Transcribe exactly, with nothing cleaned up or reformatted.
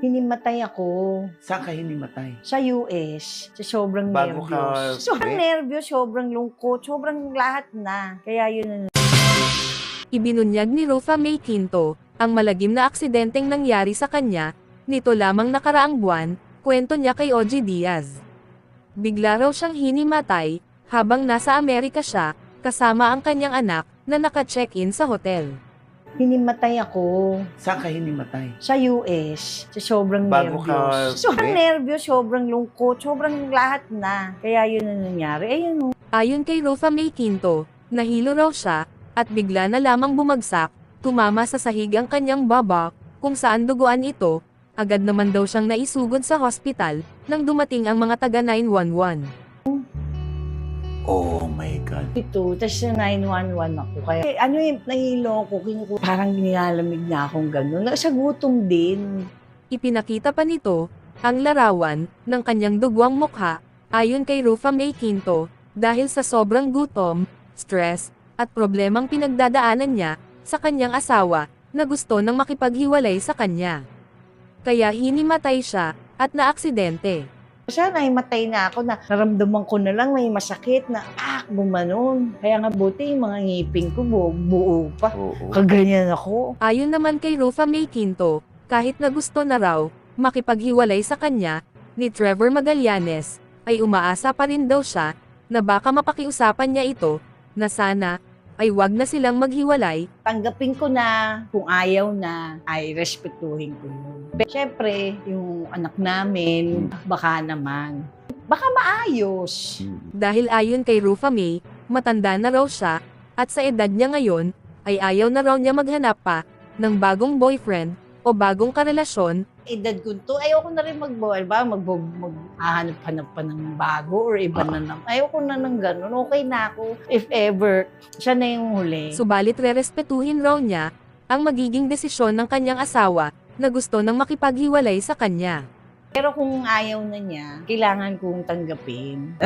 Hinimatay ako Saan ka hinimatay? sa U S. Sa sobrang Bago ka nervyos. Sobrang uwi? nervyos, sobrang lungkot, sobrang lahat na. Kaya yun na. Ibinunyag ni Rufa May Quinto, ang malagim na aksidenteng nangyari sa kanya, nito lamang nakaraang buwan, kwento niya kay O G Diaz. Bigla raw siyang hinimatay, habang nasa Amerika siya, kasama ang kanyang anak, na naka-check-in sa hotel. Hinimatay ako Saan ka hinimatay? sa U S. Sa sobrang Bago ka nervyos. Sobrang uwi? nervyos, sobrang lungkot, sobrang lahat na. Kaya yun na nangyari. Ayun o. Ayon kay Rufa May Quinto, nahilo raw siya, at bigla na lamang bumagsak, tumama sa sahig ang kanyang baba, kung saan duguan ito, agad naman daw siyang naisugod sa hospital, nang dumating ang mga taga nine one one. Oh my God. Ito, tapos sa nine one one ako. Kaya eh, ano yung nahilo ko, kinuku- parang nilalamig na akong gano'n. Sa gutom din. Ipinakita pa nito, ang larawan, ng kanyang dugwang mukha, ayon kay Rufa May Quinto, dahil sa sobrang gutom, stress, at problemang pinagdadaanan niya, sa kanyang asawa, na gusto nang makipaghiwalay sa kanya. Kaya hinimatay siya, at naaksidente. Sana ay matay na ako na naramdaman ko na lang may masakit na ah, gumanon. Kaya nga buti yung mga ngipin ko buo, buo pa. Oo. Kaganyan ako. Ayon naman kay Rufa May Quinto, kahit na gusto na raw, makipaghiwalay sa kanya, ni Trevor Magallanes, ay umaasa pa rin daw siya, na baka mapakiusapan niya ito, na sana, ay wag na silang maghiwalay. Tanggapin ko na kung ayaw na ay respetuhin ko yun. Pero syempre, yung anak namin, baka naman. Baka maayos. Dahil ayon kay Rufa May, matanda na raw siya, at sa edad niya ngayon, ay ayaw na raw niya maghanap pa, ng bagong boyfriend, o bagong karelasyon. Edad ko to, ayoko na rin mag-boy, ba? Mag, maghahanap-hanap pa ng bago or iba na naman. Ayoko na ng ganun. Okay na ako. If ever, siya na yung huli. Subalit rerespetuhin raw niya, ang magiging desisyon ng kanyang asawa, na gusto nang makipaghiwalay sa kanya. Pero kung ayaw na niya, kailangan kong tanggapin.